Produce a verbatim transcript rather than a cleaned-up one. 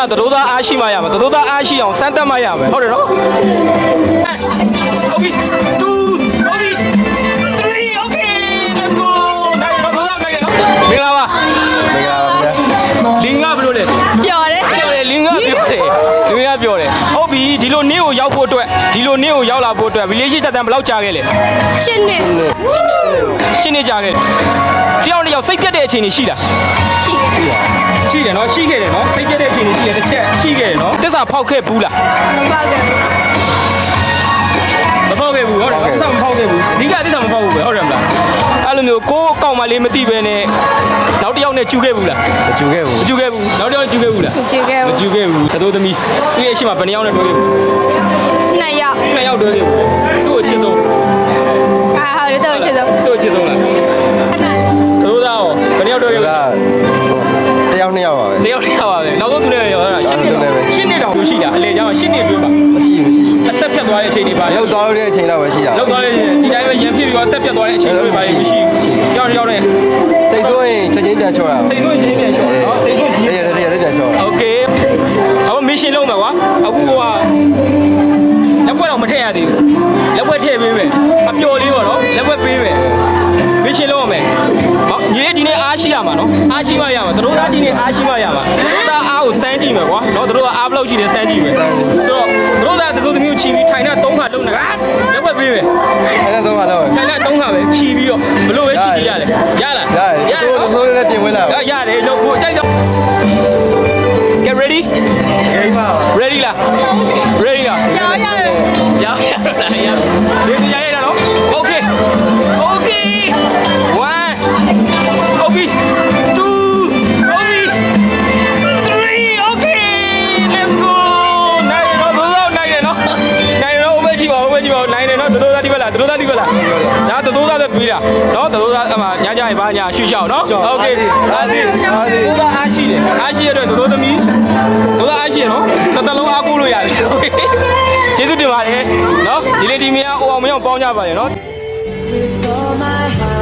သတို့သားအားရှိမှရမယ်သတို့သားအားရှိအောင်စမ်းသပ်မှရမယ်ဟုတ်တယ်နော်โอเคtwoโอเคthree okay let's go နိုင်တော့တော့နိုင်တယ်နော်မင်္ဂလာပါမင်္ဂလာပါဗျာလင်္ကာဘယ်လိုလဲပျော်တယ်ပျော်တယ်လင်္ကာပျော်တယ်လင်္ကာပျော်တယ်ဟုတ်ပြီဒီလိုနေ့ကိုရောက်ဖို့အတွက်ဒီလိုနေ့ကိုရောက်လာဖို့အတွက် village တက်တန်းဘယ်လောက်ကြာခဲ့လဲရှစ်နှစ်ရှစ်နှစ်ကြာခဲ့တယောက်တစ်ယောက်စိတ်ပြတ်တဲ့အချိန်တွေရှိလားရှိရှိတယ်နော်ရှိခဲ့တယ်နော်စိတ်ပြတ်တဲ့အချိန်တွေရှိတယ်တစ်ချက်ရှိခဲ့တယ်နော်တစ္ဆာဖောက်ခဲ့ဘူးလားမဖောက်ခဲ့မဖောက်ခဲ့ဘူးဟုတ်တယ်တစ္ဆာမဖောက်ခဲ့ဘူးအဓိကတစ္ဆာမဖောက်ဘူးပဲဟုတ်တယ်မလားအဲ့လိုမျိုးကိုယ်အကောင့်မလေးမသိပဲနဲ့နောက်တစ်ယောက်နဲ့ကျူခဲ့ဘူးလားမကျူခဲ့ဘူးမကျူခဲ့ဘူးနောက်တစ်ယောက်ကျူခဲ့ဘူးလားမကျူခဲ့ဘူးမကျူခဲ့ဘူးသတို့သမီးသူ့ရဲ့အရှိမဘယ်နှယောက်နဲ့တွဲခဲ့ဘူးနှစ်ယောက်နှစ်ယောက်တွဲခဲ့ဘူးသူ့ကိုချစ်ဆုံးအာဟုတ်တယ်သူ့ကိုချစ်ဆုံးသူ့ကိုချစ်ဆုံးလားသတို့သားရောဘယ်နှယောက်တွဲခဲ့ဘူးတယောက်နှစ်ယောက်ပါပဲတယောက်နှစ်ယောက်ပါပဲနောက်ဆုံးသူနဲ့ရောရှင်းနေရှင်းနေတော့ရှိတာအလေကြောင်းရှင်းနေပြပါမရှိမရှိအဆက်ဖြတ်သွားတဲ့အချိန်တွေပါလောက်သွားတဲ့အချိန်တော့ပဲရှိတာလောက်သွားတဲ့အချိန်ဒီတိုင်းပဲရံဖြစ်ပြီးတော့ဆက်ဖြတ်သွားတဲ့အချိန်တွေပါမရှိဘူးရောက်ရောက်နေစိတ်ဆိုးရင်ချက်ချင်းပြန်ချောတာစိတ်ဆိုးရင်ချက်ချင်းပြန်ချောနော်စိတ်ဆိုးကြီးတရတရပြန်ချောโอเคအခုမရှင်လုံးမယ်ကွာအခုကလက်ဘွက်တော့မထည့်ရသေးဘူးလက်ဘွက်ထည့်ပေးမယ်အပျော်လေးပေါ့နော်လက်ဘွက်ပေးမယ်မရှင်လုံးမယ်ဟောညီလေးဒီနေ့အားရှိရမှာနော်အားရှိမှရမှာတို့သားဒီနေ့အားရှိမှရမှာတို့သားအားကိုစမ်းကြည့်မယ်ကွာနော်တို့ကအားဘလောက်ရှိတယ်စမ်းကြည့်မယ်ဆိုတော့တို့သားတို့သမီးကိုချီပြီးထိုင်တာသုံးခါလုံးနေတာလက်ဘွက်ပေးမယ်ထိုင်တာသုံးခါတော့ထိုင်တာသုံးခါပဲချီပြီးတော့ဘလို့ပဲချီချီရလဲရလားရတယ်ဆိုးဆိုးလေးပြင်ဝင်လာရတယ်လို့ကိုကြိုက်တော့ Get ready? Ready ပါ Ready လား Ready လားရရတယ်ရရတယ်ရဒီရရရနော် Okay Okay one Okay two Okay three Okay let's go နိုင်တော့ဘယ်တော့နိုင်တယ်နော်နိုင်တော့ဘယ်ကြည့်ပါဘယ်ကြည့်ပါနိုင်တယ်နော်တိုးတိုးသားဒီဘက်လားတိုးတိုးသားဒီဘက်လားဒါတိုးတိုးသားဆိုပြီးတာနော်တိုးတိုးသားအမှညညဘာညာရှူရှောက်နော် Okay အားစီအားစီတိုးသားအားရှိတယ်အားရှိရတဲ့တိုးတိုးသမီးတို့အားရှိရနော်တစ်သက်လုံးအားကိုးလို့ရတယ်ကျေးဇူးတင်ပါတယ်နော်ဒီလေဒီမယားအိုအောင်မရောက်ပေါင်းကြပါရနော်